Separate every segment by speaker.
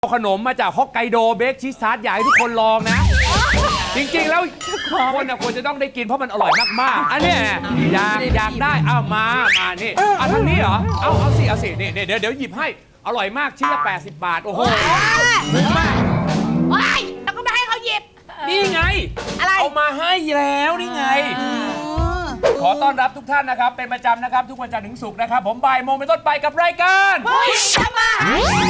Speaker 1: เอาขนมมาจากฮอกไกโดเบคชีสทาร์ตอยากให้ทุกคนลองนะ จริงๆแล้วคนควรจะต้องได้กินเพราะมันอร่อยมากๆอันนี้อยากได้เอามานี่เอาทางนี้เหรอเอาสินี่เดี๋ยวหยิบให้อร่อยมากชิ้นละ80 บาทโอ้โหคุ้มมาก
Speaker 2: ว้ายแล้วก็ไม่ให้เขาหยิบ
Speaker 1: นี่ไง
Speaker 2: อะไร
Speaker 1: เอามาให้แล้วนี่ไงขอต้อนรับทุกท่านนะครับเป็นประจำนะครับทุกวันจันทร์ถึงศุกร์นะครับผมบ่ายโมงเป็นต้นไปกับรายการ
Speaker 2: ผู้หญิงทำมา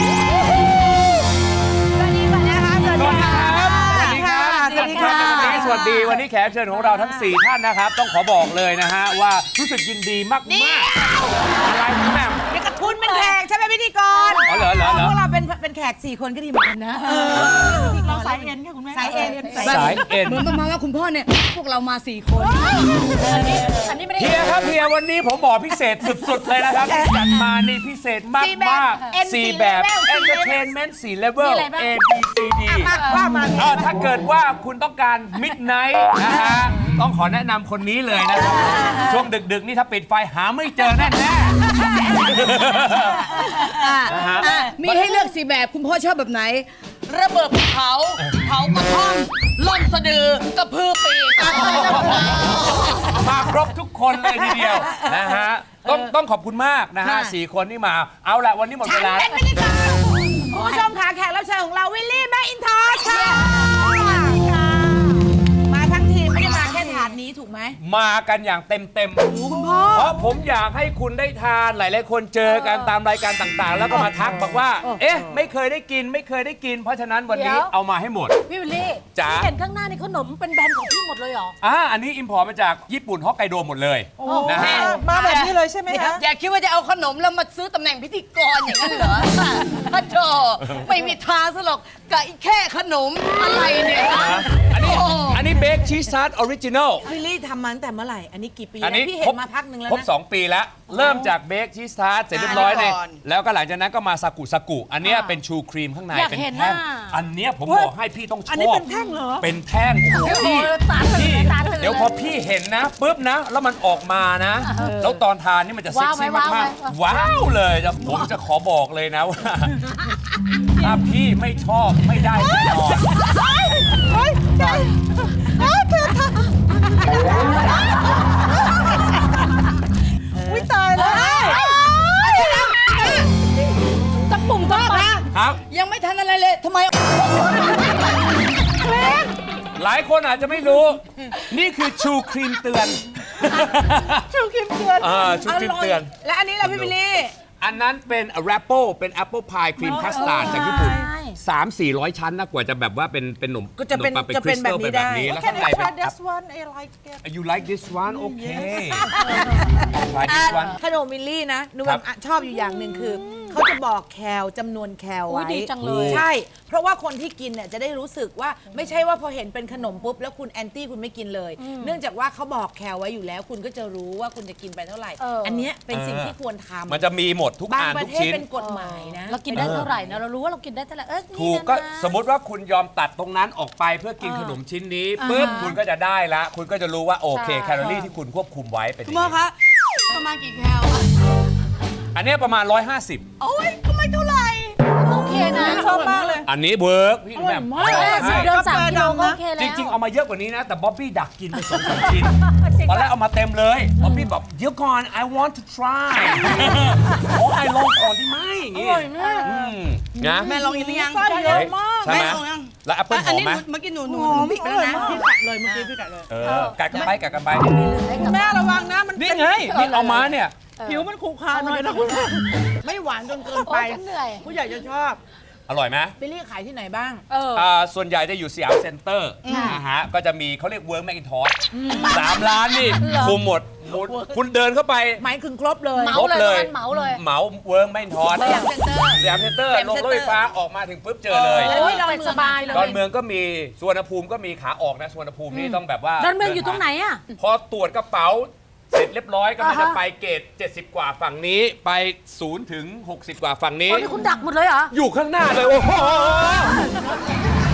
Speaker 2: สวัสดีค่ะสวัสดีครับ
Speaker 1: สวัสดีครับสวัสดีครับสวัสดีวันนี้แขกเชิญของเราทั้ง4ท่านนะครับต้องขอบอกเลยนะฮะว่ารู้สึกยินดีมากอะไรคุณแม่
Speaker 2: เด็กกระทุนเป็นแขกใช่ไหมพิธีกร
Speaker 1: อ๋อเหรอ
Speaker 2: พวกเราเป็นแขก4 คนก็ดีเหมือนกันนะเราสายเอ็นค่ะคุณแม่สายเอ็น
Speaker 3: เหมือนประมาณว่าคุณพ่อเนี่ยพวกเรามา4 คน
Speaker 2: อันนี้ไม่ได้
Speaker 1: เฮียครับเฮียวันนี้ผมบอกพิเศษสุดๆเลยนะครับจัดมานี่พิเศษมาก4 แบบ Entertainment 4 Level A B C D ถ้าเกิดว่าคุณต้องการ Midnight นะฮะต้องขอแนะนำคนนี้เลยนะครับช่วงดึกๆนี่ถ้าปิดไฟหาไม่เจอแน่
Speaker 3: มีให้เลือก4 แบบคุณพ่อชอบแบบไหนระเบิดเผากระท่อมล่มสะดือกระพือปีก
Speaker 1: มาครบทุกคนเลยทีเดียวนะฮะต้องขอบคุณมากนะฮะ4 คนที่มาเอาละวันนี้หมดเวลา
Speaker 2: เป็นพิธีกรคุณผู้ชมค่ะแขกรับเชิญของเราวิลลี่แมคอินทอชค่ะมาทั้งทีมไม่ได้มาแค่ถาดนี้ถูกไหม
Speaker 1: มากันอย่างเต็ม
Speaker 2: คุณพ่อ
Speaker 1: เพราะผมอยากให้คุณได้ทานหลายๆคนเจอกันตามรายการต่างๆแล้วก็มาทักบอกว่าเอ๊ะไม่เคยได้กินเพราะฉะนั้นวันนี้เอามาให้หมด
Speaker 2: พี่วิลลี่
Speaker 1: จ๋า
Speaker 2: เห็นข้างหน้านี่ขนมเป็นแบรนด์ของพี่หมดเลยเหรอ
Speaker 1: อันนี้อิมพอร์ตมาจากญี่ปุ่นฮอกไกโดหมดเลยนะฮะ
Speaker 2: มาแบบนี้เลยใช่ไหมคะ
Speaker 3: อย่าคิดว่าจะเอาขนมแล้วมาซื้อตำแหน่งพิธีกรอย่างนั้นเหรอโธ่ไม่มีทางซะหรอกกับแค่ขนมอะไรเนี่ย
Speaker 1: อันนี้เบคชีสทาร์ตออริจินอล
Speaker 2: วิลลี่ทำมาตั้งแต่เมื่อไหร่อันนี้กี่ปีแล้วพี่เห็นมาพักนึงแล้วนะ
Speaker 1: ครบ2 ปีแล้วเริ่มจากเบคชีสทาร์ตเสร็จเรียบร้อยเนี่ยแล้วก็หลังจากนั้นก็มาซากุอันนี้เป็นชูครีมข้างในเป็นแท่งอันนี้ผมบอกให้พี่ต้องชอบอันนี้
Speaker 2: เป็นแท่งเหรอ
Speaker 1: เป็นแท่งพี่เดี๋ยวพอพี่เห็นนะปุ๊บนะแล้วมันออกมานะแล้วตอนทานนี่มันจะเซ็กซี่มากๆว้าวเลยผมจะขอบอกเลยนะว่าถ้าพี่ไม่ชอบไม่ได้แน่นอน
Speaker 2: อุ้ยตายแล้วตะปุ่มตะปา
Speaker 1: ครับ
Speaker 3: ยังไม่ทันอะไรเลยทำไม
Speaker 1: หลายคนอาจจะไม่รู้นี่คือชูครีมเตือน
Speaker 2: ชูครีมเตือน
Speaker 1: ชูครีมเตือน
Speaker 2: และอันนี้ล่ะพี่บิลลี่
Speaker 1: อันนั้นเป็นแรปเปิลเป็นแอปเปิลพายครีมคัสตาร์ดจากญี่ปุ่น300-400 ชั้นนะกว่าจะแบบว่าเป็นหนม
Speaker 2: ก็จะเป็นแบบนี้ได้
Speaker 1: แล้วข้างในเป็น
Speaker 2: this one I like it
Speaker 1: you like this one okay try this one
Speaker 2: ขนมมิลลี่นะหนูชอบอยู่อย่างหนึ่งคือเขาจะบอกแคลจำนวนแคลไว้
Speaker 3: ดีจังเลย
Speaker 2: ใช่เพราะว่าคนที่กินเนี่ยจะได้รู้สึกว่าไม่ใช่ว่าพอเห็นเป็นขนมปุ๊บแล้วคุณแอนตี้คุณไม่กินเลยเนื่องจากว่าเขาบอกแคลไว้อยู่แล้วคุณก็จะรู้ว่าคุณจะกินไปเท่าไหร่อันนี้เป็นสิ่งที่ควรทำ
Speaker 1: มันจะมีหมดทุกอันทุกชิ้น
Speaker 2: เป็นกฎหมายนะ
Speaker 3: เรากินได้เท่าไหร่นะเรารู้ว่าเรากินได้เท่าไหร่
Speaker 1: ถูกก็สมมติว่าคุณยอมตัดตรงนั้นออกไปเพื่อกินขนมชิ้นนี้ปุ๊บคุณก็จะได้ละคุณก็จะรู้ว่าโอเคแคลอรี่ที่คุณควบคุมไว้เป็นยังไง
Speaker 3: คะประมาณกี่แคล
Speaker 1: อันนี้ประมาณ150
Speaker 3: โอ้ยก็ไม่เท่าไหร่โอเคนะ
Speaker 2: ชอบมากเลย
Speaker 1: อันนี้เวิร์กพี่แบบ
Speaker 3: เดิน3 กิโลก็โอเคแล้ว
Speaker 1: จริงๆเอามาเยอะกว่านี้นะแต่บ๊อบบี้ดักกินไป2-3 ชิ้นตอนแรกเอามาเต็มเลยบ๊อบบี้บอกเดี๋ยวก่อน I want to try โอ้I ลองก่อนได้ไหมอย่างงี้นะ
Speaker 3: แม่ลองอีกหรือยัง
Speaker 2: เยอะมาก
Speaker 1: ใช่ไหมแล้วแอปเปิ้ลหอมไหม
Speaker 3: เมื่อกี้หนูบิ๊กแล้วนะ
Speaker 2: พี่กัดเลยเมื่อกี้พี่กัดเลย
Speaker 1: กัดกันไป
Speaker 2: แม่ระวังนะมัน
Speaker 1: นี่ไงนี่เอามาเนี่ย
Speaker 2: ผิวมันขูขาหน่อยนะคุณไม่หวานจนเกินไปผู้ใหญ่จะชอบ
Speaker 1: อร่อยไหม
Speaker 2: บิลลี่ขายที่ไหนบ้าง
Speaker 1: ส่วนใหญ่จะอยู่สยามเซ็นเตอร์นะฮะก็จะมีเขาเรียกเวิร์กแมคอินทอส3 ร้านนี่คุมหมดคุณเดินเข้าไป
Speaker 2: หมายถึงครบเลย
Speaker 3: เหมา
Speaker 1: เวิร์กแมคอินทอสสยามเซ็นเตอร์ลงรถไฟฟ้าออกมาถึงปุ๊บเจอเลย
Speaker 2: ดอนสบายเลย
Speaker 1: ดอนเมืองก็มีสุวรรณภูมิก็มีขาออกนะสุวรรณภูมินี่ต้องแบบว่า
Speaker 3: ดอนเมืองอยู่ตรงไหนอ่ะ
Speaker 1: พอตรวจกระเป๋าเสร็จเรียบร้อยก็จะไปเกต70 กว่าฝั่งนี้ไป0 ถึง 60 กว่าฝั่งนี้
Speaker 3: นี่คุณดักหมดเลยเหรอ
Speaker 1: อยู่ข้างหน้าเลยโอ้โห
Speaker 2: โ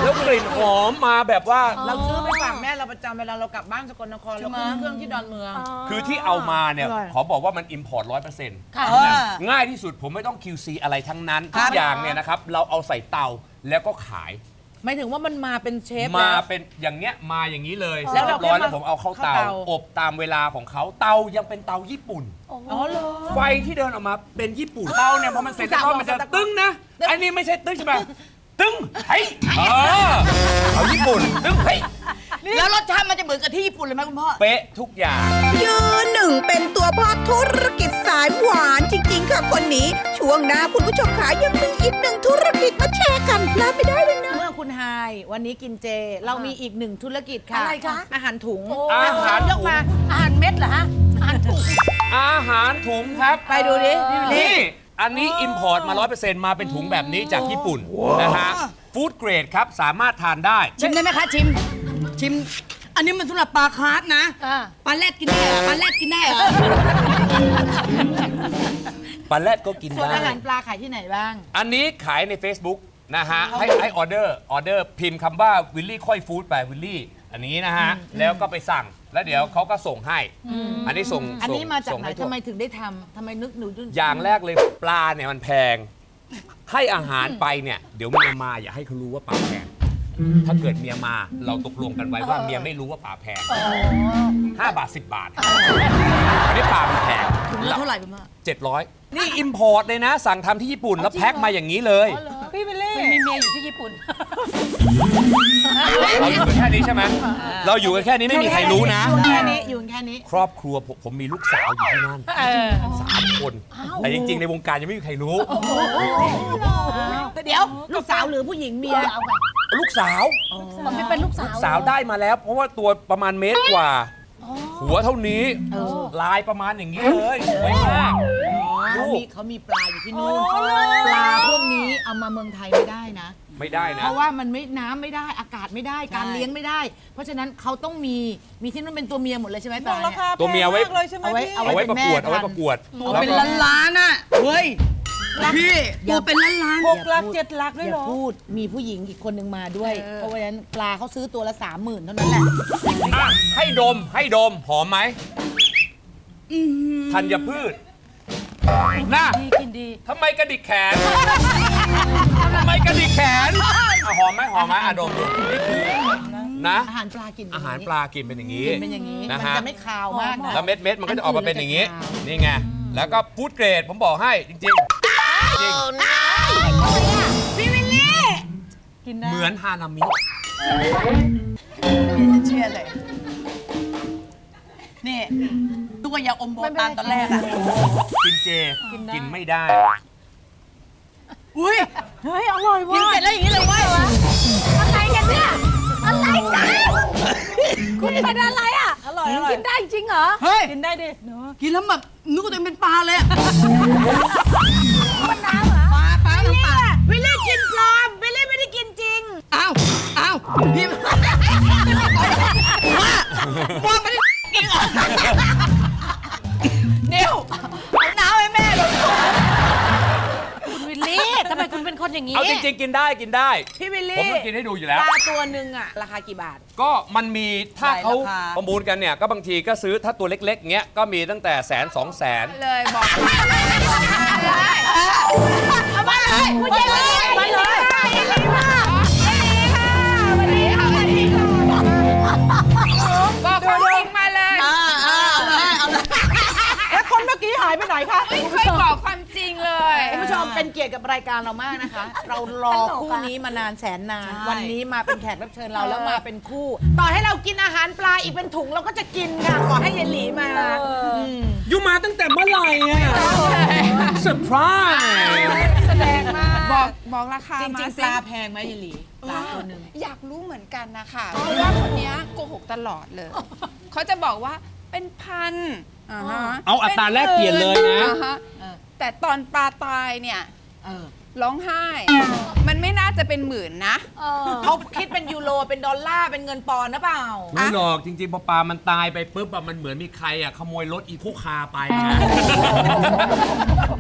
Speaker 1: แล้วกลิ่นหอมมาแบบว่า
Speaker 2: เราซื้อไปฝากแม่เราประจำเวลาเรากลับบ้านสกลนครเราขึ้นเครื่องที่ดอนเมือง
Speaker 1: คือที่เอามาเนี่ยขอบอกว่ามัน import 100%ง่ายที่สุดผมไม่ต้อง QC อะไรทั้งนั้นทุกอย่างเนี่ยนะครับเราเอาใส่เตาแล้วก็ขาย
Speaker 2: หมายถึงว่ามันมาเป็นเชฟ
Speaker 1: มา
Speaker 2: แล้ว
Speaker 1: เป็นอย่างเงี้ยมาอย่างนี้เลย
Speaker 2: แล้วเรา
Speaker 1: เรียบร้อย
Speaker 2: แค่มา
Speaker 1: แล้วผมเอาเข้าเตา
Speaker 2: เข้าเตา
Speaker 1: อบตามเวลาของเขาเตายังเป็นเตาญี่ปุ่น
Speaker 2: อ๋อเหรอ
Speaker 1: ไฟที่เดินออกมาเป็นญี่ปุ่นเตาเนี่ยพอมันเสร็จแล้วมันจะตึ้งนะไอ้นี่ไม่ใช่ตึ้งใช่ไหมตึ้งเฮ้ยเอาญี่ปุ่นตึ้งเฮ้ย
Speaker 3: แล้วรสชาติมันจะเหมือนกับที่ญี่ปุ่นเลยไหมคุณพ่อ
Speaker 1: เป๊ะทุกอย่าง
Speaker 4: ยืนหนึ่งเป็นตัวพ่อธุรกิจสายหวานจริงๆค่ะคนนี้ ช่วงหน้าคุณผู้ชมขายังมีอีกหนึ่งธุรกิจมาแชร์กันพลาดไม่ได้เลยนะ
Speaker 2: เมื่อคุณไฮายวันนี้กินเจ เรามีอีกหนึ่งธุรกิจค่ะ
Speaker 3: อะไรคะ
Speaker 2: อาหารถุง
Speaker 1: อาหาร
Speaker 2: ยกมา
Speaker 3: อาหารเม็ดเหรอฮะ อาหารถุง
Speaker 1: อาหารถุงครับ
Speaker 2: ไปดูดิ
Speaker 1: นี่อันนี้ import มา 100% มาเป็นถุงแบบนี้จากญี่ปุ่นนะฮะฟู้ดเกรดครับสามารถทานได้
Speaker 3: ชิมได้ไหมคะชิม ชิม อันนี้มันสำหรับปลาคาร์ฟนะ ปลาแรดกินได้เหรอปลาแรดกินได้เหรอ
Speaker 1: ปลาแรดก็กิน
Speaker 2: ส่วน
Speaker 1: ได้
Speaker 2: อาหารปลาขายที่ไหนบ้าง
Speaker 1: อันนี้ขายใน Facebook นะฮะให้ออเดอร์พิมพ์คำว่าวิลลี่ค่อยฟู้ดไปวิลลี่อันนี้นะฮะ แล้วก็ไปสั่งแล้วเดี๋ยวเขาก็ส่งให้ อันนี้ส่ง
Speaker 2: อันนี้มาจาก
Speaker 1: ส่ง
Speaker 2: ไหน
Speaker 1: ให้ทั่ว
Speaker 2: ทำไมถึงได้ทำทำไมนึกหนู
Speaker 1: อย่างแรกเลยปลาเนี่ยมันแพง ให้อาหารไปเนี่ยเดี๋ยวเมียมาอย่าให้เขารู้ว่าปลาแพง ถ้าเกิดเมียมาเราตกลงกันไว้ว่าเมียไม่รู้ว่าปลาแพง5 บาท 10 บาทอันนี้ปลามันแพง
Speaker 3: ถุงละเท่าไหร่คุณพ่อ
Speaker 1: 700 นี่อิมพอร์ตเลยนะ สั่งทำที่ญี่ปุ่นแล้วแพ็คมาอย่างนี้เลย
Speaker 3: พี่เบลลี่มีเมียอยู่ที่ญี่ปุ่น
Speaker 1: เราอยู่กันแค่นี้ใช่ไหมเราอยู่กันแค่นี้ไม่มีใครรู้นะ
Speaker 2: อยู่แค่นี้อยู่แค่นี้
Speaker 1: ครอบครัวผมมีลูกสาวอยู่ที่นั่น3 คน แต่จริงๆ ในวงการยังไม่มีใครรู้
Speaker 2: เดี๋ยวลูกสาวหรือผู้หญิงเมีย
Speaker 1: ลูกสาว
Speaker 3: มันไม่เป็นลูกสาว
Speaker 1: สาวได้มาแล้ว เพราะว่าตัวประมาณเมตรกว่า หัวเท่านี้ ลายประมาณอย่างนี้เลยสวยมากลูก
Speaker 2: เขามีปลาอยู่ที่นู่นปลาพวกนี้เอามาเมืองไทยไม่ได้นะ
Speaker 1: ไม่ได้นะ
Speaker 2: เพราะว่ามันไม่น้ำไม่ได้อากาศไม่ได้การเลี้ยงไม่ได้ เพราะฉะนั้นเขาต้องมีที่นู่นเป็นตัวเมียหมดเลยใช่ไหมปลาเนี่ย
Speaker 1: ตัวเมียไว้
Speaker 2: เอาไว้
Speaker 1: เอาไว้ประกวด
Speaker 2: เป็นแม่
Speaker 1: เอาไว้ประกวด
Speaker 3: ตัว
Speaker 1: แล้ว
Speaker 3: เป็น
Speaker 1: ก็
Speaker 3: ล้านๆน่ะ เฮ้ย พี่ตัวเป็นล้าน
Speaker 2: 6 ลัก 7 ลักด้วยเหรออย่าพูดมีผู้หญิงอีกคนหนึ่งมาด้วย เพราะว่าฉะนั้นปลาเขาซื้อตัวละ 30,000 เท่านั้นแหละ
Speaker 1: อ่ะให้ดมหอมไหมธัญพืชน่า
Speaker 3: กินดี
Speaker 1: ทำไมกระดิกแขนทำไมกระดิกแขนอ่ะหอมไหมอ่ะดมดูนี่คือนะ
Speaker 2: อาหารปลากิน
Speaker 1: อาหารปลากินเป็นอย่างนี้
Speaker 2: เป็นอย่างนี้
Speaker 1: นะ
Speaker 2: มัน
Speaker 1: ฮะ
Speaker 2: จะไม่คาวมากนะ
Speaker 1: แล้วเม็ดมันก็จะออกมาเป็นอย่างนี้
Speaker 2: อันอื่น
Speaker 1: นี่ไง แล้วก็ฟู้ดเกรดผมบอกให้จริงๆจริง
Speaker 2: พี่วิลลี่
Speaker 1: เหมือนฮานามิ
Speaker 3: เชื่อเลย นี่ ตัวยาอมโบตานตอนแรกอะ
Speaker 1: กินเจกินไม่ได้
Speaker 3: อุ้ย
Speaker 2: เฮ้ยอร่อย
Speaker 3: กิน
Speaker 2: ว่ะ
Speaker 3: เสร็จแล้วอย่างนี้เลยเว้ย
Speaker 5: อะไรกันเนี่ย อะไรกัน คุณเป็นอะไรอ่ะ
Speaker 2: อร่อย
Speaker 5: กินได้จริงเหรอ
Speaker 3: เฮ้ย
Speaker 2: กินได้ดิ
Speaker 3: กินแล้วแบบนึกว่าตัวเองเป็นปลาเลยอะ
Speaker 5: มันน้ำเหรอ
Speaker 3: ปลาทั้งปลา
Speaker 2: วิลลี่กินปลอมวิลลี่ไม่ได้กินจริง
Speaker 3: อ้าวพี่ว่าไม่ได้กินเหรอเดี๋ยวเอาน้ำให้แม่เลย
Speaker 5: คุณวิลลี่ทำไมคุณเป็นคนอย่างนี้
Speaker 1: เอาจริงๆ กินได้
Speaker 2: พี่วิลลี่
Speaker 1: ผมต้องกินให้ดูอยู่แล้ว
Speaker 2: ปลาตัวหนึ่งอะราคากี่บาท
Speaker 1: ก็มันมีถ้าเขาประมูลกันเนี่ยก็บางทีก็ซื้อถ้าตัวเล็กๆเงี้ยก็มีตั้งแต่100,000 200,000
Speaker 2: เลยบอก
Speaker 5: เอามาเลยคุณเยเลยมาเลยเยลีค่ะเยลีค่ะวันนี้ค่ะวันนี้ค่ะ
Speaker 2: บอกความจริงมาเลย
Speaker 3: เอาเลย
Speaker 2: แล้วคนเมื่อกี้หายไปไหนคะ
Speaker 6: ไม่เคยบอกความจริงเลย
Speaker 2: คุณผู้ชมเป็นเกียรติกับรายการเรามากนะคะ เรารอคู่นี้มานานแสนนาน วันนี้มาเป็นแขกรับเชิญเราแล้วมาเป็นคู่ ต่อให้เรากินอาหารปลาอีกเป็นถุงเราก็จะกินค่ะขอให้ยายหลีมา
Speaker 1: อยู่มาตั้งแต่เมื่อไหร่อะเซอร์ไพรส์
Speaker 2: แสดงมาก
Speaker 6: บอกราคา
Speaker 2: จ
Speaker 6: มา
Speaker 2: ริงๆ
Speaker 6: สิ
Speaker 2: ปลาแพงไหมยายหลีปลาตัวหนึ่ง
Speaker 6: อยากรู้เหมือนกันนะคะเพราะว่าคนเนี้ยโกหกตลอดเลย เขาจะบอกว่าเป็นพันอ่าฮะ
Speaker 1: เอาอัตราแลกเปลี่ยนเลยนะ
Speaker 6: อ่าฮะแต่ตอนปลาตายเนี่ยร้องไห้ มันไม่น่าจะเป็นหมื่นนะ
Speaker 2: เขาคิดเป็นยูโรเป็นดอลลาร์เป็นเงินปอนด์หรือเปล่า
Speaker 1: ไม่หรอกจริงๆพอปลามันตายไปปุ๊บอะมันเหมือนมีใครอะขโมยรถอีโคคาร์ไปนะ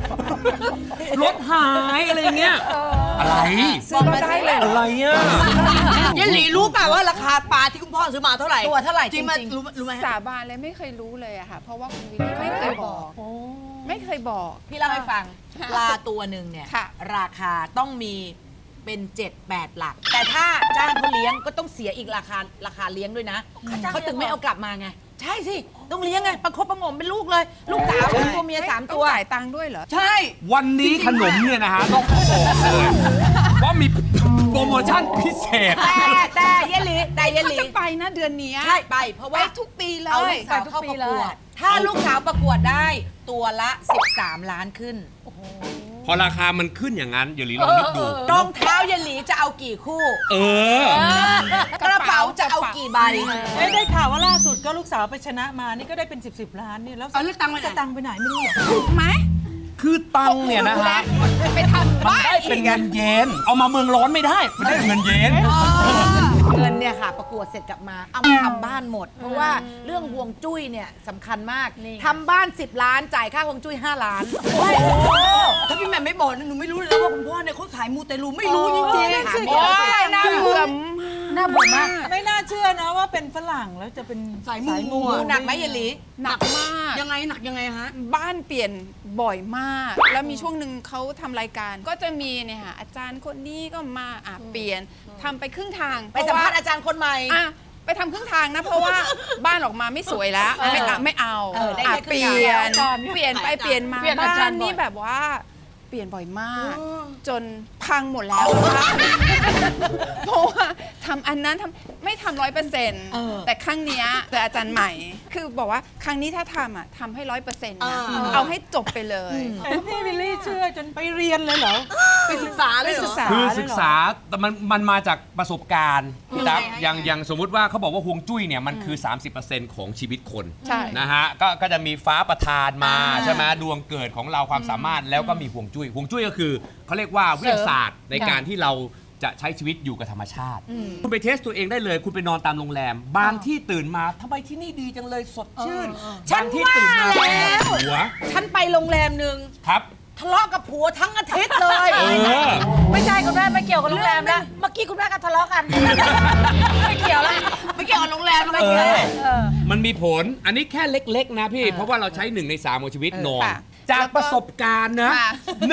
Speaker 1: รถหายอะไรเงี้ยอะไร
Speaker 2: ซื้อมาได้เลย
Speaker 1: อะไรอ่ะ
Speaker 3: เยลลี่รู้ป่ะว่าราคาปลาที่คุณพ่อซื้อมาเท่าไหร่
Speaker 2: ตัวเท่าไหร่
Speaker 3: จริงไหม
Speaker 2: จริง
Speaker 3: รู้ไหม
Speaker 6: สาบานเลยไม่เคยรู้เลยอะค่ะ เพราะว่าคุณวิลลี่ไม่เคยบอก ไม่เคยบอก
Speaker 2: พี่เล่าให้ฟังปลาตัวหนึ่งเนี่ย
Speaker 6: ค่ะ
Speaker 2: ราคาต้องมีเป็น 7-8 หลัก แต่ถ้าจ้างเขาเลี้ยงก็ต้องเสียอีกราคาเลี้ยงด้วยนะเขาถึงไม่เอากลับมาไง ใช่สิ ต้องเลี้ยงไงประคบประหงมเป็นลูกเลย ลูกสาวเป็นตัวเมีย3 ตัว
Speaker 6: จ่ายตังค์ด้วยเหรอ
Speaker 3: ใช่
Speaker 1: วันนี้ขนมเนี่ยนะฮะต้องบอกเลยว่ามีโปรโมชั่นพิเศษ
Speaker 2: แต่เยลลีแต่เยล
Speaker 6: เขา
Speaker 2: ลี
Speaker 6: จะไปนะเดือนเนี้ย
Speaker 2: ใช่ไปเพราะ
Speaker 6: ไป
Speaker 2: ว่า
Speaker 6: ทุกปีเล
Speaker 2: เอาลู
Speaker 6: ย
Speaker 2: กสาวเข้าประกวด ถ้าลูกสาวประกวดได้ตัวละ 13 ล้านขึ้น
Speaker 1: พอราคามันขึ้นอย่างนั้นอย่าลืมลองนึกดู
Speaker 2: รองเท้าเยลลีจะเอากี่คู่
Speaker 1: เออ
Speaker 2: กระเป๋าจะเอากี่ใบ
Speaker 7: ได้ข่าวว่าล่าสุดก็ลูกสาวไปชนะมานี่ก็ได้เป็น 10 ล้านนี่แล้ว
Speaker 3: เอาแล้วตังค์ไปไหน
Speaker 7: สตังค์ไปไหนไม่รู้เหรอ
Speaker 6: ถูกไหม
Speaker 1: คือตังค์เนี่ยนะฮะ
Speaker 6: ไปทำ
Speaker 1: มัน
Speaker 6: บ้าน
Speaker 1: ได้เป็นเงินเยน เอามาเมืองร้อนไม่ได้ มันได้เงินเยน
Speaker 2: เงินเนี่ยค่ะประกวดเสร็จกลับมาเอามาทำบ้านหมด เพราะว่าเรื่องห่วงจุ้ยเนี่ยสำคัญมากทำบ้าน 10 ล้านจ่ายค่าห่วงจุ้ย5 ล้าน
Speaker 3: ถ้าพี่แหม่มไม่บอกนะหนูไม่รู้เลยนะว่าคุณพ่อเนี่ยเขาขายมูเตลูไม่รู้จริง
Speaker 2: โอ้
Speaker 3: ๆ
Speaker 2: โอ้ยน่าเบื่อ
Speaker 6: น่าเบื่อมาก
Speaker 7: ไม่น่าเชื่อนะว่าเป็นฝรั่งแล้วจะเป็น
Speaker 3: สายมู
Speaker 2: ดูหนักไหมเยลลี
Speaker 6: หนักมาก
Speaker 3: ยังไงหนักยังไงฮะ
Speaker 6: บ้านเปลี่ยนบ่อยมาก แล้วมีช่วงหนึ่งเขาทำรายการ ก็จะมีเนี่ยค่ะอาจารย์คนนี้ก็มาเปลี่ยนทำไปครึ่งทาง
Speaker 2: ไปสัมภาษณ์อาจารย์คนใหม่
Speaker 6: อ่ะไปทำครึ่งทางนะ เพราะว่าบ้านออกมาไม่สวยแล้ว ไม่เอา
Speaker 2: ได้
Speaker 6: อ่ะ
Speaker 2: แค่ค
Speaker 6: เป
Speaker 2: รึ่ง
Speaker 6: ลี่ย
Speaker 2: ทาง
Speaker 6: นเปลี่ยนไปเปลี่ยนมา
Speaker 3: เปลี่ยนอาจา
Speaker 6: บ้าร น
Speaker 3: ย์บ่อย
Speaker 6: นี่แบบว่าเปลี่ยนบ่อยมาก จนพังหมดแล้วเพราะว่าทำอันนั้นไม่ทำ100%แต่ครั้งเนี้ยแต่อาจารย์ใหม่ คือบอกว่าครั้งนี้ถ้าทำให้100%นะเอาให้จบไปเลย
Speaker 7: แต่พี่วิลลี่เชื่อจนไปเรียนเลยเหรอ
Speaker 3: ไปศึกษาเลยเหรอ
Speaker 1: คือศึกษาแต่มันมาจากประสบการณ์นะครับอย่างสมมุติว่าเขาบอกว่าฮวงจุ้ยเนี่ยมันคือ 30% ของชีวิตคน
Speaker 6: ใช่
Speaker 1: นะฮะก็จะมีฟ้าประทานมาใช่ไหมดวงเกิดของเราความสามารถแล้วก็มีฮวงจุ้ยฮวงจุ้ยก็คือเขาเรียกว่าวิทยาศาสตร์ในการที่เราจะใช้ชีวิตอยู่กับธรรมชาติ คุณไปเทสตัวเองได้เลย คุณไปนอนตามโรงแรม บางที่ตื่นมาทำไมที่นี่ดีจังเลยสดชื่น
Speaker 2: ฉัน
Speaker 1: บางที่ตื่นมา
Speaker 2: ว่าแล้ว
Speaker 1: ปวดหัว
Speaker 2: ฉันไปโรงแรมหนึ่ง
Speaker 1: ครับ
Speaker 2: ทะเลาะกับผัวทั้งอาทิตย์เลย
Speaker 1: เออ
Speaker 2: ไม่ใช่คุณแม่ไม่เกี่ยวกับโรงแรมแล้วเมื่อกี้คุณแม่ก็ทะเลาะกัน ไม่เกี่ยวแล้ว
Speaker 3: ไม่เกี่ยวกับโรงแรมอะไร
Speaker 1: เอ
Speaker 3: เงี้ย
Speaker 1: อมันมีผล อันนี้แค่เล็ก ๆ นะพี่ เพราะว่าเราใช้ 1 ใน 3 ของชีวิตนอน
Speaker 6: ค่ะ
Speaker 1: จากประสบการณ์นะ
Speaker 6: ค่ะ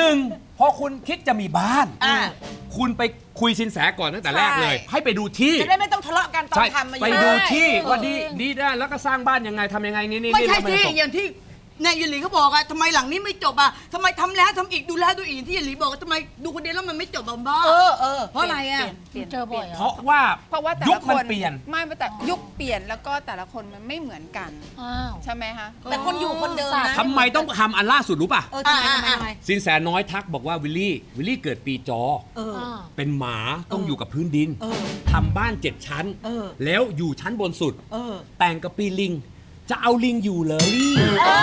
Speaker 1: 1 พอคุณคิดจะมีบ้าน คุณไปคุยสินแสก่อนตั้งแต่แรกเลย ให้ไปดูที่
Speaker 2: จะได้ไม่ต้องทะเลาะกันตอ
Speaker 1: ใช่
Speaker 2: นทำมา
Speaker 1: ไป
Speaker 2: เยอะ
Speaker 1: ดูที่ว่าดีได้แล้วก็สร้างบ้านยังไงทำยังไงนี่
Speaker 3: ไม่ใช่
Speaker 1: แล้วน
Speaker 3: สิ
Speaker 1: จบ
Speaker 3: อย่างที่นายยหลีเขาบอกอะทำไมหลังนี้ไม่จบอะทำไมทำแล้วทำอีกดูแล้วดูอีกที่ยหลีบอกว่าทำไมดูคนเดียวแล้วมันไม่จบบ้า เพราะอะไรอะ
Speaker 6: เจอบ่อย
Speaker 1: เพราะว่า
Speaker 6: เพราะว่าแต่
Speaker 1: ยุ
Speaker 6: ละ
Speaker 1: ค
Speaker 6: ค
Speaker 1: มัน
Speaker 6: น
Speaker 1: เปลี่ยน
Speaker 6: ไม่แต่ยุคเปลี่ยนแล้วก็แต่ละคนมันไม่เหมือนกันใช่ไหมคะ
Speaker 2: แต่คนอยู่คนเดิมนะ
Speaker 1: ทำไมต้องทำอันล่าสุดรู้ป่ะ
Speaker 2: ทำไมทำไม
Speaker 1: สินแสน้อยทักบอกว่าวิลลี่เกิดปีจอ เป็นหมาต้องอยู่กับพื้นดินทำบ้าน 7 ชั้น แล้วอยู่ชั้นบนสุด แต่งกับปีลิง จะเอาลิงอยู่เหรอลี่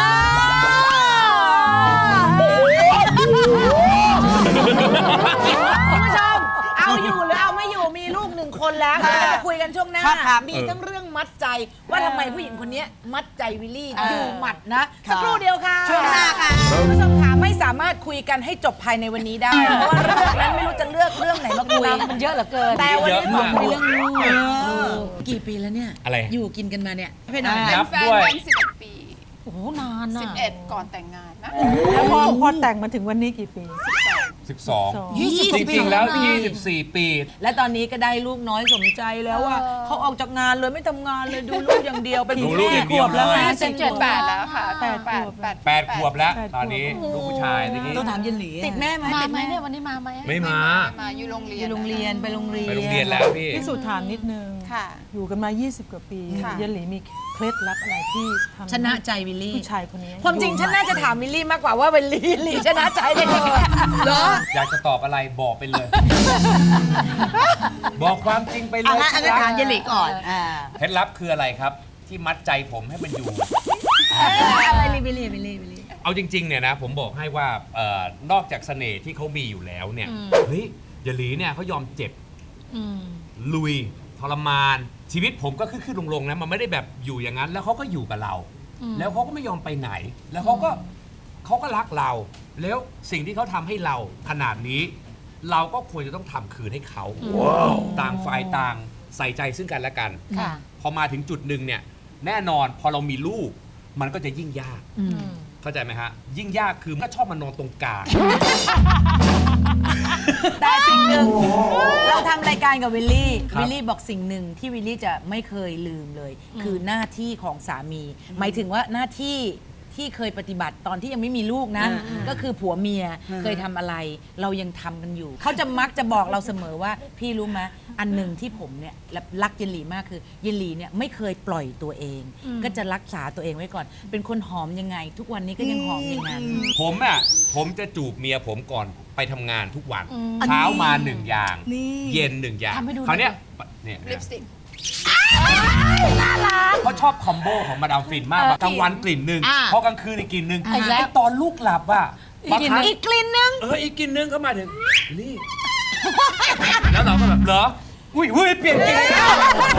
Speaker 2: คุณผู้ชม เอาอยู่หรือเอาไม่อยู่มีลูก1 คนแล้วเดี๋ยวเรามาคุยกันช่วงหน้า มีทั้งเรื่องมัดใจว่าทำไมผู้หญิงคนนี้มัดใจวิลลี่อยู่หมัดนะ สักครู่เดียวค่ะ
Speaker 3: ช่วงหน้าค่ะ
Speaker 2: คุณผู้ชมค่ะไม่สามารถคุยกันให้จบภายในวันนี้ได้ เพราะว่าเรื่องนั้นไม่รู้จะเลือกเรื่องไหนมาคุยมันเยอะเหลือเกิน แต่วันนี้ขอคุยเรื่องลูกกี่ปีแล้วเนี่ย
Speaker 1: อะไร
Speaker 2: อยู่กินกันมาเนี่ยให้หน่อย
Speaker 6: เป็น
Speaker 1: นับ
Speaker 6: แฟน
Speaker 1: ด้วย
Speaker 6: กัน11 ปี
Speaker 5: โอ้โหนานน่ะ
Speaker 6: 11 ก่อนแต่งงานนะ
Speaker 7: แล้วพอแต่งมาถึงวันนี้กี่ปี
Speaker 1: 12
Speaker 2: 20
Speaker 1: จริงๆแล้ว 24 ปี
Speaker 2: และตอนนี้ก็ได้ลูกน้อยสมใจแล้วว่าเขาออกจากงานเลยไม่ทำงานเลยดูลูกอย่างเดียวเป็น
Speaker 1: ดูลูกอย่างเดียว
Speaker 2: ขบแล้ว
Speaker 1: เลย
Speaker 2: นะ
Speaker 6: 7 แล้วค่ะ
Speaker 1: 8 ขวบแล้ว ตอนนี้ลูกผู้ชายทีนี้
Speaker 3: ต้องถามยหลี
Speaker 2: ติดแม่ไหม
Speaker 5: มา
Speaker 2: ติด
Speaker 5: ไหม
Speaker 2: แม่
Speaker 5: เนี่ยวันนี้มาไหม
Speaker 1: ไม่มา
Speaker 6: มาอยู่โรงเรียน
Speaker 2: โรงเรียนไปโรงเรียน
Speaker 1: ไปโรงเรียนแล้วพี่
Speaker 7: พี่สุถามนิดนึง
Speaker 6: ค่ะ
Speaker 7: อยู่กันมา 20 กว่าปี
Speaker 6: ค่ะ
Speaker 7: ยหลีมีเคล็ดลับอะไรที่ทำ
Speaker 2: ชนะใจวิลลี่
Speaker 7: ผู้ชายคนนี้
Speaker 2: ความจริงฉันน่าจะถามวิลลี่มากกว่าว่าวิลลี่ชนะใจได้ยังไงเหรอ
Speaker 1: อยากจะตอบอะไรบอกไปเลย บอกความจริงไปเล
Speaker 3: เอา
Speaker 1: ย
Speaker 3: งั้นถามยหลีก่อน
Speaker 1: เคล็ดลับคืออะไรครับ ที่มัดใจผมให้มันอยู่
Speaker 2: อะไรวิลลี่วิลลี่วิลลี่
Speaker 1: เอาจริงๆเนี่ยนะผมบอกให้ว่านอกจากเสน่ห์ที่เขามีอยู่แล้วเนี่ยเฮ้ยยหลีเนี่ยเขายอมเจ็บลุยทรมานชีวิตผมก็ขึ้นๆลงๆนะมันไม่ได้แบบอยู่อย่างนั้น แล้วเขาก็อยู่กับเรา แล้วเขาก็ไม่ยอมไปไหน แล้วเขาเขาก็รักเรา แล้วสิ่งที่เขาทำให้เราขนาดนี้ เราก็ควรจะต้องทำคืนให้เขาต่างฝ่ายต่างใส่ใจซึ่งกันและกัน พอมาถึงจุดหนึ่งเนี่ยแน่นอนพอเรามีลูกมันก็จะยิ่งยากเข้าใจไหมฮะยิ่งยากคือมันก็ชอบมานอนตรงกลาง
Speaker 2: แต่สิ่งหนึ่งเราทำรายการกับวิลลี่
Speaker 1: ครับ
Speaker 2: วิลลี่บอกสิ่งหนึ่งที่วิลลี่จะไม่เคยลืมเลย คือหน้าที่ของสามี หมายถึงว่าหน้าที่ที่เคยปฏิบัติตอนที่ยังไม่มีลูกนะ ก็คือผัวเมียเคยทำอะไร เรายังทำกันอยู่ เขาจะมักจะบอกเราเสมอว่าพี่รู้ไหมอันหนึ่งที่ผมเนี่ยรักเยนหลีมากคือเยนหลีเนี่ยไม่เคยปล่อยตัวเอง ก็จะรักษาตัวเองไว้ก่อน เป็นคนหอมยังไง ทุกวันนี้ก็ยังหอมอย่างนั้น
Speaker 1: ผมจะจูบเมียผมก่อนไปทำงานทุกวัน เช้ามาหนึ่งอย่าง เย็นหนึ่งอย่าง
Speaker 2: ทำให้ดู
Speaker 1: คราวเนี้ยเนี่ย
Speaker 6: ลิปสติก
Speaker 1: เขาชอบคอมโบของมาดามฟินมากกลางวันกลิ่นหนึ่งพอกลางคืนอีกกลิ่นหนึ่ง
Speaker 2: อีกแล้ว
Speaker 1: ไอ้ตอนลูกหลับอ่ะบางครั้ง
Speaker 2: อีกกลิ่นนึง
Speaker 1: อีกกลิ่นหนึ่งเขามาถึงนี่ แล้วเราก็แบบเหรออุ้ยเปลี่ยนกลิ่นแล้ว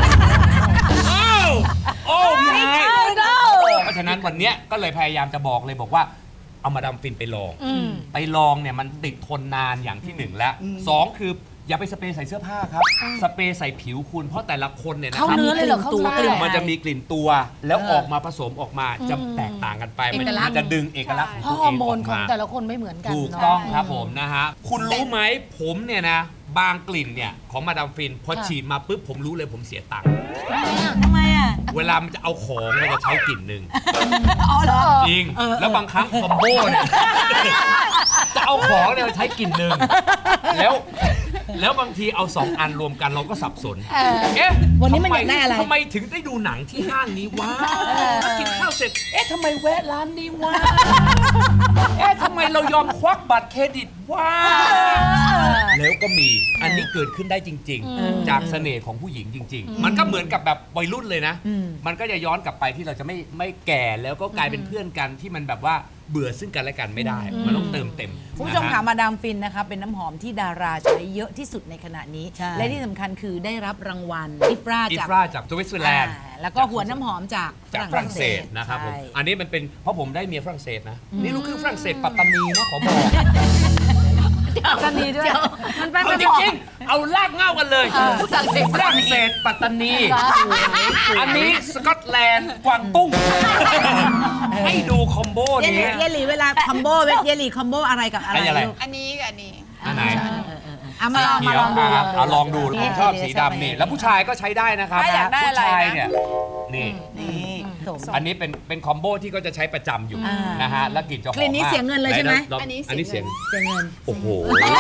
Speaker 1: โอ้พี่ไฮเพราะฉะนั้นวันเนี้ยก็เลยพยายามจะบอกเลยบอกว่าเอามาดามฟินไปลองไปลองเนี่ยมันติดทนนานอย่างที่หนึ่งแล้วสองคืออย่าไปสเปรย์ใส่เสื้อผ้าครับสเปรย์ใส่ผิวคุณเพราะแต่ละคนเนี่ยนะค
Speaker 2: เข้า
Speaker 1: รับ
Speaker 2: เนื้อเลยเหรอเข้าตัวกลิ่น
Speaker 1: มันจะมีกลิ่นตัวแล้วออกมาผสมออกมาจะแตกต่างกันไปมันจะดึงเอกลักษณ์ของ
Speaker 5: เพราะ
Speaker 1: ตัว
Speaker 5: ฮ
Speaker 1: เอ
Speaker 5: อร์
Speaker 1: ง
Speaker 5: โม
Speaker 1: ออน ก
Speaker 5: ของ
Speaker 1: มา
Speaker 5: แต่ละคนไม่เหมือนกัน
Speaker 1: ถูก
Speaker 5: เนาะ
Speaker 1: ต้องครับผมนะฮะคุณรู้ไหมผมเนี่ยนะบางกลิ่นเนี่ยของมาดามฟินพอฉีดมาปุ๊บผมรู้เลยผมเสียตังค์
Speaker 2: ทำไมอ่ะ
Speaker 1: เวลามันจะเอาของเราจะใช้กลิ่นหนึ่ง
Speaker 2: อ๋อเหรอ
Speaker 1: จริงแล้วบางครั้งคอมโบเนี่ยจะเอาของเนี่ยมาใช้กลิ่นหนึ่งแล้วบางทีเอา2 อันรวมกันเราก็สับสนเอ๊ะ
Speaker 3: วันนี้มันอยากได้อะไร
Speaker 1: ทำไมถึงได้ดูหนังที่ห้างนี้วะกินข้าวเสร็จเอ๊ะทำไมแวะร้านนี้วะเอ๊ะทำไมเรายอมควักบัตรเครดิตวะแล้วก็มีอันนี้เกิดขึ้นได้จริง ๆ จากเสน่ห์ของผู้หญิงจริง ๆ มันก็เหมือนกับแบบวัยรุ่นเลยนะ มันก็จะย้อนกลับไปที่เราจะไม่แก่แล้วก็กลายเป็นเพื่อนกันที่มันแบบว่าเบื่อซึ่งกันและกันไม่ได้ มันต้องเติมเต็ม
Speaker 2: คุณผู้ชม
Speaker 1: นะ
Speaker 2: ค่ะ
Speaker 1: ฮะ
Speaker 2: มาดามฟินนะคะเป็นน้ำหอมที่ดาราใช้เยอะที่สุดในขณะนี้ และที่สำคัญคือได้รับรางวัลอิฟรา
Speaker 1: อิ
Speaker 2: จาก
Speaker 1: ฟราจากสวิตเซอร์แลนด์
Speaker 2: แล้วก็หัวน้ำหอมจาก
Speaker 1: ฝรั่งเศสนะครับผม
Speaker 2: ใช่
Speaker 1: อันนี้มันเป็นเพราะผมได้เมียฝรั่งเศสนะ นี่ลูกครึ่งฝรั่งเศสปัตตานีนะขอบอก
Speaker 2: กันนี้ด้วยมันเป็น
Speaker 1: เอาจริงๆเอาลากเง่ากันเลยฝรั่งเศสปัตตานี อันนี้สกอตแลนด์กวางตุ้ง ให้ดูคอมโบ
Speaker 2: เย
Speaker 1: นี้
Speaker 2: ลลี่เวลาคอมโบเยลลี่คอมโบอะไรกับอะไร
Speaker 1: อะไร
Speaker 2: ลูก
Speaker 6: อันนี้กับอันนี้
Speaker 1: อันไหน
Speaker 2: มาลอง
Speaker 1: เขียว
Speaker 2: ดู
Speaker 1: เอาลองดูผมชอบสีดำนี่แล้วผู้ชายก็ใช้ได้นะครับ
Speaker 6: ถ้าอยากได้
Speaker 1: ผู้
Speaker 6: อะไรนะ
Speaker 1: ชายเนี่ยนี่
Speaker 2: สม
Speaker 1: อันนี้เป็นคอมโบที่ก็จะใช้ประจำอยู่
Speaker 2: อ่าน
Speaker 1: นะฮะแล้วกลิ่นจะหอม
Speaker 2: กลิ่นนี้
Speaker 1: มาก
Speaker 2: เสียเงินเลยใช่ไหม
Speaker 1: นอันนี้เสียง
Speaker 2: เสียเงิน
Speaker 1: โอ้โห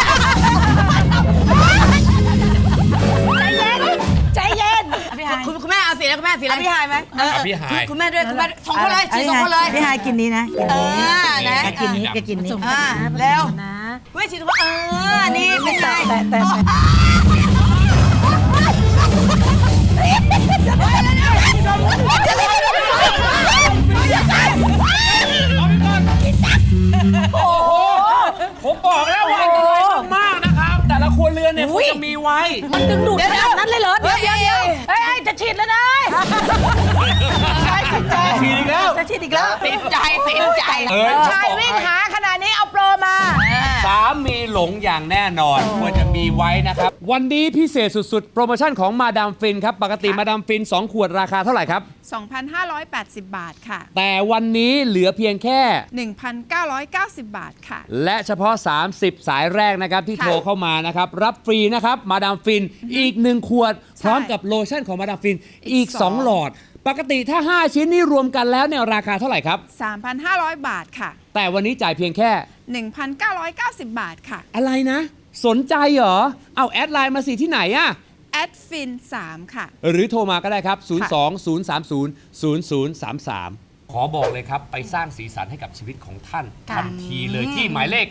Speaker 5: ใจเย็น
Speaker 2: พี่ฮาย
Speaker 3: คุณแม่เอาสีแล้วคุณแม่สีอะไร
Speaker 2: พี่ฮายไหม
Speaker 1: พี่หาย
Speaker 3: คุณแม่ด้วยคุณแม่สองคนเลยสีสองคนเลย
Speaker 2: พี่ฮายกินนี้นะแกกินนี้แกกินนี้แล้ว
Speaker 5: นะ
Speaker 3: เว้ยสีว่านี่ไม่ใช่
Speaker 2: แต่
Speaker 1: ผมบอกแล้วว่าอันตรายมากๆนะครับ แต่ละครัวเรือนเนี่ยเขาจะมีไว้
Speaker 5: มันดึงดูดขนาดนั้นเลยเหรอเดี๋ยวเฮ้ยจะฉีดแล้วนะ
Speaker 1: ฉีดอีกแล้ว
Speaker 3: จะฉีดอีกแล้วติดใจ
Speaker 5: ชายวิ่งหาขนาดนี้เอาโปรมา
Speaker 1: สามีหลงอย่างแน่นอนควรจะมีไว้นะครับ วันนี้พิเศษสุดๆ โปรโมชั่นของมาดามฟินครับ ปกติมาดามฟิน 2 ขวดราคาเท่าไหร่ครับ
Speaker 6: 2,580 บาทค่ะ
Speaker 1: แต่วันนี้เหลือเพียงแค่
Speaker 6: 1,990 บาทค่ะ
Speaker 1: และเฉพาะ 30 สายแรกนะครับ ที่
Speaker 6: ค่ะ
Speaker 1: โทรเข้ามานะครับ รับฟรีนะครับ มาดามฟินอีก 1 ขวด พร้อมกับโลชั่นของมาดามฟินอีก 2 หลอด ปกติถ้า 5 ชิ้นนี่รวมกันแล้วเนี่ยราคาเท่าไหร่ครับ
Speaker 6: 3,500 บาทค่ะ
Speaker 1: แต่วันนี้จ่ายเพียงแค่
Speaker 6: 1,990 บาทค่ะ
Speaker 1: อะไรนะ สนใจเหรอ เอาแอดไลน์มาสิที่ไหนอะ
Speaker 6: แอดฟิน3ค่ะ
Speaker 1: หรือโทรมาก็ได้ครับ 020300033 ขอบอกเลยครับ ไปสร้างสีสันให้กับชีวิตของท่านทันทีเลยที่หมายเลข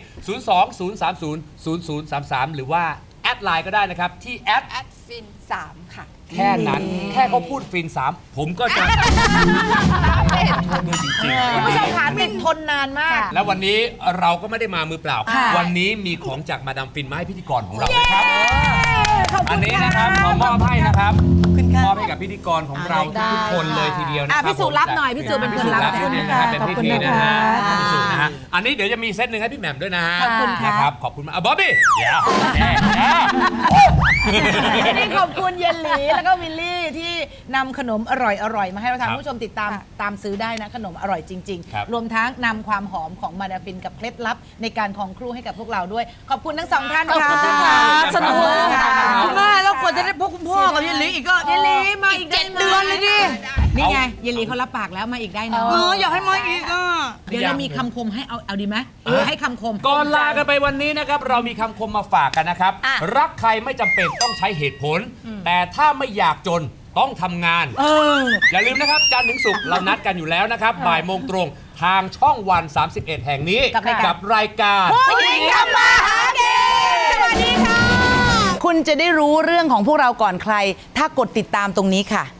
Speaker 1: 020300033 หรือว่าแอดไลน์ก็ได้นะครับ ที่แอด
Speaker 6: แอดฟิน3ค่ะ
Speaker 1: แค่นั้น แค่เขาพูดฟิน 3 ผมก็จะโทษด้วยจริงๆ
Speaker 2: คุณผู้ชมขาติดทนนานมาก
Speaker 1: แล้ววันนี้เราก็ไม่ได้มามือเปล่า
Speaker 2: ค่ะ
Speaker 1: วันนี้มีของจากมาดามฟินมาให้พิธีกรของเรานะครับ อันนี้นะครับขอมอบอบให้นะครับมอบให้กับพิธีกรของเราทุกคนเลยทีเดียวนะครับ
Speaker 2: พี่สุรับหน่อยพี่สุเป็นคนรับ
Speaker 1: พิสูจน์นะครับเป็นพิธีนะฮะพิสูจน์นะฮะอันนี้เดี๋ยวจะมีเซตหนึ่งให้พี่แหม่มด้วยนะฮะ
Speaker 2: ขอบคุณค่ะ
Speaker 1: นะครับขอบคุณมากบ๊อบบี้เดี๋ยว
Speaker 2: นี่ขอบคุณเยลลี่แล้วก็วิลลี่ที่นำขนมอร่อยๆมาให้เราทานผู้ชมติดตามซื้อได้นะขนมอร่อยจริง
Speaker 1: ครับ
Speaker 2: ๆ รวมทั้งนำความหอมของมาดาฟินกับเคล็ดลับในการครองครูให้กับพวกเราด้วย ขอบคุณทั้งสองท่านค่ะ
Speaker 3: สนุก
Speaker 2: ค่ะ
Speaker 3: คุณแม่แล้วกว่าจะได้พบคุณพ่อกับเยลลี่อีกก็
Speaker 2: เยลลี่มาอีก
Speaker 3: 7 เดือนเลยดิ
Speaker 2: นี่ไงเยลลี่เขารับปากแล้วมาอีกได้เนาะ
Speaker 3: อยากให้มาอีกอ่ะ
Speaker 2: เดี๋ยวเรามีคำคมให้เอาดีไหมให้คำคม
Speaker 1: ก่อนลากันไปวันนี้นะครับเรามีคำคมมาฝากกันนะครับ รักใครไม่จำเป็นต้องใช้เหตุผล แต่ถ้าไม่อยากจนต้องทำงานอย่าลืมนะครับจันทร์ถึงศุกร์เรานัดกันอยู่แล้วนะครับบ่ายโมงตรงทางช่องวัน 31 แห่งนี้
Speaker 2: กับรายการ
Speaker 1: กับรายการ
Speaker 2: ผู้หญิงทำมาหากินสวัสดีค่ะ คุณจะได้รู้เรื่องของพวกเราก่อนใคร ถ้ากดติดตามตรงนี้ค่ะ